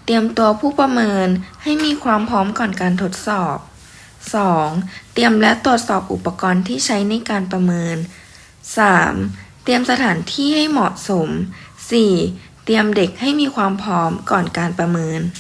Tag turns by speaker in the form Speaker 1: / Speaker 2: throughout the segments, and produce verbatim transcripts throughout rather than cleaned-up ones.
Speaker 1: เตรียมตัวผู้ประเมินให้มีความพร้อมก่อนการทดสอบ สอง เตรียมและตรวจสอบอุปกรณ์ที่ใช้ในการประเมิน สาม เตรียมสถานที่ให้เหมาะสม สี่ เตรียมเด็กให้มีความพร้อมก่อนการประเมิน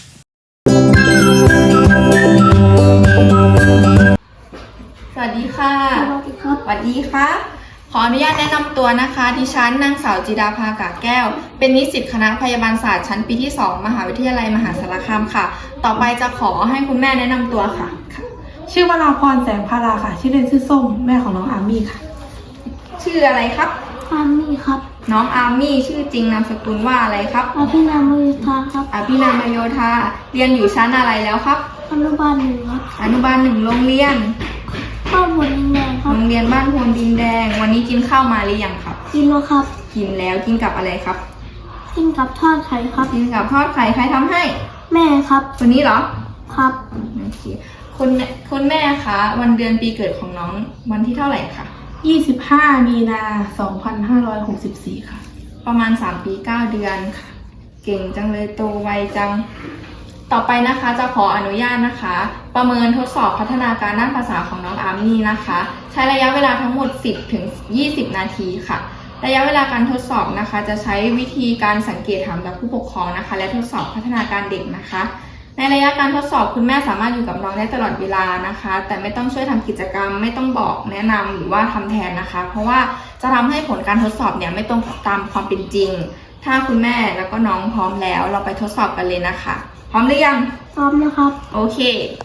Speaker 2: สวัสดีค่ะ
Speaker 3: สวัสดีครับ
Speaker 2: สวัสดีค่ะ ขออนุญาตแนะนำตัวนะคะดิฉันนางสาวจิดาภากาแก้ว เป็นนิสิตคณะพยาบาลศาสตร์ชั้นปีที่สองมหาวิทยาลัยมหาสารคามค่ะ ต่อไปจะขอให้คุณแม่แนะนำตัวค่ะ
Speaker 3: ชื่อวราพรแสงพาราค่ะ ชื่อเล่นชื่อส้ม แม่ของน้องอาร์มี่ค่ะ
Speaker 2: ชื่ออะไรครับ
Speaker 3: อาร์มี่ครับ
Speaker 2: น้องอาร์มี่ชื่อจริงนามสกุลว่าอะไรครับ
Speaker 3: อภินามยุทธาครับ
Speaker 2: อภินามโยธา เรียนอยู่ชั้นอะไรแล้วครับ
Speaker 3: อนุบาลหนึ่งครับ
Speaker 2: อนุบาลหนึ่งโรงเรียน
Speaker 3: ข้าวบนดินแดงครั
Speaker 2: โร
Speaker 3: บ
Speaker 2: งเรียนบ้านโพนดินแดง วันนี้กินข้าวมาหรือยังครับ
Speaker 3: กินแล้วครับ
Speaker 2: กินแล้วกินกับอะไรครับ
Speaker 3: กินกับทอดไข่ครับ
Speaker 2: กินกับทอดไข่ใครทำให้
Speaker 3: แม่ครับ
Speaker 2: คนนี้เหรอ
Speaker 3: ครับ
Speaker 2: โอเคคุณคุณแม่คะวันเดือนปีเกิดของน้องวันที่เท่าไหร่คะ
Speaker 3: ยี่สิบห้ามีนาสองพันห้าร้อยหกสิบสี่ค่ะ
Speaker 2: ประมาณสามปีเก้าเดือนค่ะ เก่งจังเลยโตไวจัง ต่อไปนะคะจะขออนุญาตนะคะ ประเมินทดสอบพัฒนาการด้านภาษาของน้องอาร์มี่นะคะ ใช้ระยะเวลาทั้งหมด สิบถึงยี่สิบ นาทีค่ะ ระยะเวลาการทดสอบนะคะ จะใช้วิธีการสังเกตถามจากผู้ปกครองนะคะ และทดสอบพัฒนาการเด็กนะคะ ในระยะการทดสอบคุณแม่สามารถอยู่กับน้องได้ตลอดเวลานะคะ แต่ไม่ต้องช่วยทำกิจกรรม ไม่ต้องบอกแนะนำหรือว่าทำแทนนะคะ เพราะว่าจะทำให้ผลการทดสอบเนี่ยไม่ตรงตามความเป็นจริง ถ้าคุณแม่แล้วก็น้องพร้อมแล้วเราไปทดสอบกันเลยนะคะ พร้อมหรือยัง
Speaker 3: พร้อมนะครับ
Speaker 2: โอเค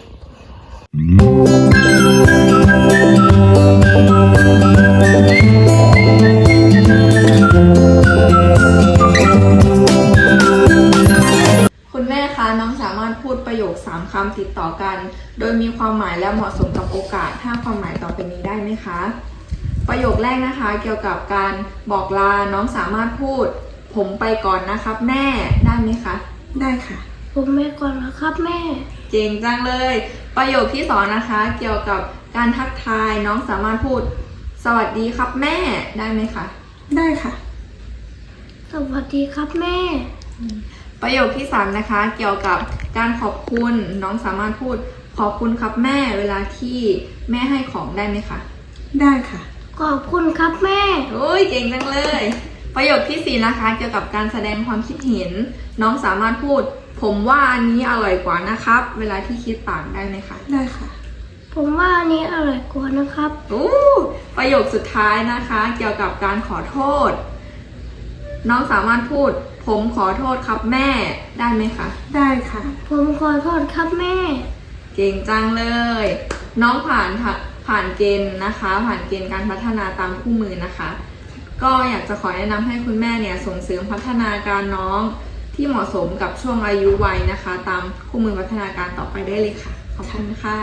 Speaker 2: คุณแม่คะน้องสามารถพูดประโยคสามคำติดต่อกัน โดยมีความหมายและเหมาะสมกับโอกาสห้าความหมายต่อไปนี้ได้ไหมคะ ประโยคแรกนะคะเกี่ยวกับการบอกลาน้องสามารถพูด ผมไปก่อนนะครับแม่ได้ไหมคะ
Speaker 3: ได้ค่ะ ผมไม่ก่อนนะครับแม่
Speaker 2: เก่งจังเลย ประโยคที่สองนะคะ เกี่ยวกับการทักทายน้องสามารถพูด สวัสดีครับแม่ได้ไหมคะ
Speaker 3: ได้ค่ะ สวัสดีครับแม่
Speaker 2: ประโยคที่สามนะคะ เกี่ยวกับการขอบคุณน้องสามารถพูดขอบคุณครับแม่เวลาที่แม่ให้ของได้ไหมคะ
Speaker 3: ได้ค่ะ ขอบคุณครับแม่
Speaker 2: โอ้ยเก่งจังเลย ประโยคที่สี่นะคะ เกี่ยวกับการแสดงความคิดเห็น น้องสามารถพูด ผมว่าอันนี้อร่อยกว่านะครับ เวลาที่คิดต่างได้ไหมคะ
Speaker 3: ได้ค่ะ ผมว่าอันนี้อร่อยกว่านะครับ
Speaker 2: โอ้ประโยคสุดท้ายนะคะ เกี่ยวกับการขอโทษ น้องสามารถพูด ผมขอโทษครับแม่ได้ไหมคะ
Speaker 3: ได้ค่ะ ผมขอโทษครับแม่
Speaker 2: เก่งจังเลย น้องผ่านผ่านเกณฑ์นะคะ ผ่านเกณฑ์การพัฒนาตามคู่มือนะคะ ก็อยากจะขอแนะนำให้คุณแม่เนี่ยส่งเสริมพัฒนาการน้องที่เหมาะสมกับช่วงอายุวัยนะคะ ตามคู่มือพัฒนาการต่อไปได้เลยค่ะขอบคุณค่ะ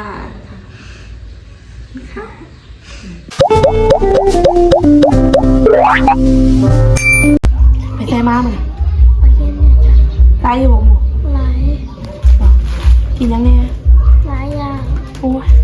Speaker 2: ค่ะ
Speaker 3: ไปใช้มาไหมไปเย็นเนี่ยจ้ะไล่อยู่บ่หมูหลายกินยังไงหลายอย่างโอ้ย